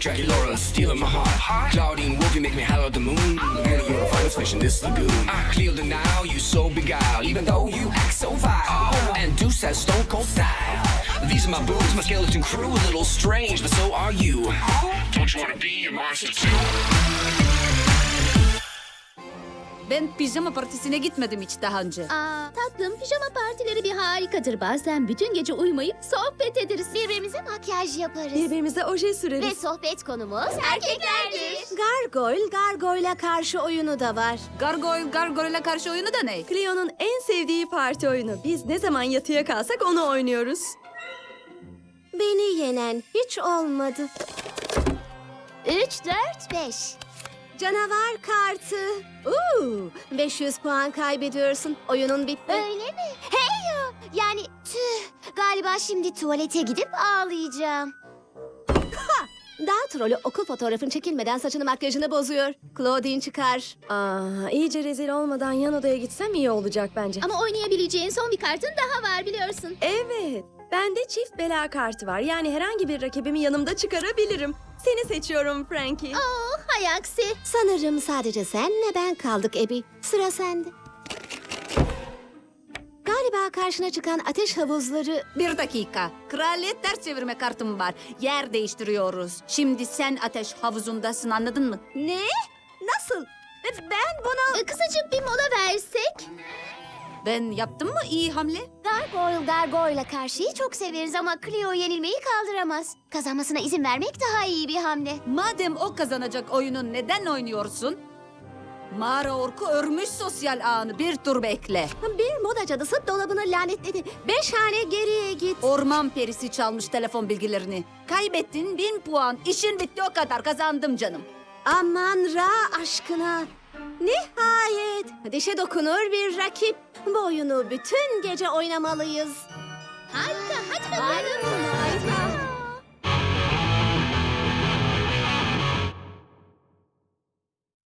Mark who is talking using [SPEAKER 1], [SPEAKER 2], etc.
[SPEAKER 1] Dracula stealing my heart. Claudine Wolf, you make me holler at the moon. And you're a finest fish in this lagoon. I clear the now, you so beguiled. Even though you act so vile. And Deuce has stone cold style. These are my boobs, my skeleton crew. A little strange, but so are you. Don't you wanna be a monster too?
[SPEAKER 2] Ben pijama partisine gitmedim hiç daha önce.
[SPEAKER 3] Tatlım, pijama partileri bir harikadır. Bazen bütün gece uyumayıp sohbet ederiz. Birbirimize makyaj yaparız.
[SPEAKER 4] Birbirimize oje
[SPEAKER 3] Ve
[SPEAKER 4] süreriz.
[SPEAKER 3] sohbet konumuz erkeklerdir.
[SPEAKER 4] Gargoyle'a karşı oyunu da var.
[SPEAKER 2] Gargoyle'a karşı oyunu da ne?
[SPEAKER 4] Cleo'nun en sevdiği parti oyunu. Biz ne zaman yatıya kalsak onu oynuyoruz. Beni yenen hiç olmadı.
[SPEAKER 3] 3, 4, 5.
[SPEAKER 4] Canavar kartı. 500 puan kaybediyorsun. Oyunun bitti.
[SPEAKER 3] Öyle mi? Hey yo! Yani tüh. Galiba şimdi tuvalete gidip ağlayacağım.
[SPEAKER 4] Daha trolü okul fotoğrafın çekilmeden saçını makyajını bozuyor. Claudine çıkar. İyice rezil olmadan yan odaya gitsem iyi olacak bence.
[SPEAKER 3] Ama oynayabileceğin son bir kartın daha var biliyorsun.
[SPEAKER 4] Evet. Bende çift bela kartı var. Yani herhangi bir rakibimi yanımda çıkarabilirim. Seni seçiyorum Frankie.
[SPEAKER 3] Hay aksi.
[SPEAKER 4] Sanırım sadece senle ben kaldık Abby. Sıra sende. Galiba karşına çıkan ateş havuzları...
[SPEAKER 2] Bir dakika. Kraliyet ters çevirme kartım var. Yer değiştiriyoruz. Şimdi sen ateş havuzundasın, anladın mı?
[SPEAKER 4] Ne? Nasıl? Ben bunu...
[SPEAKER 3] Kısacık bir mola versek.
[SPEAKER 2] Ben yaptım mı iyi hamle?
[SPEAKER 3] Gargoyle'a karşıyı çok severiz ama Cleo yenilmeyi kaldıramaz. Kazanmasına izin vermek daha iyi bir hamle.
[SPEAKER 2] Madem o kazanacak oyunu neden oynuyorsun? Mağara orku örmüş sosyal ağını, bir tur bekle.
[SPEAKER 4] Bir moda cadısı dolabını lanetledi. 5 hane geriye git.
[SPEAKER 2] Orman perisi çalmış telefon bilgilerini. Kaybettin 1000 puan. İşin bitti, o kadar, kazandım canım.
[SPEAKER 4] Aman Ra aşkına. Nihayet dişe dokunur bir rakip. Bu oyunu bütün gece oynamalıyız.
[SPEAKER 3] Harika, hadi bakalım.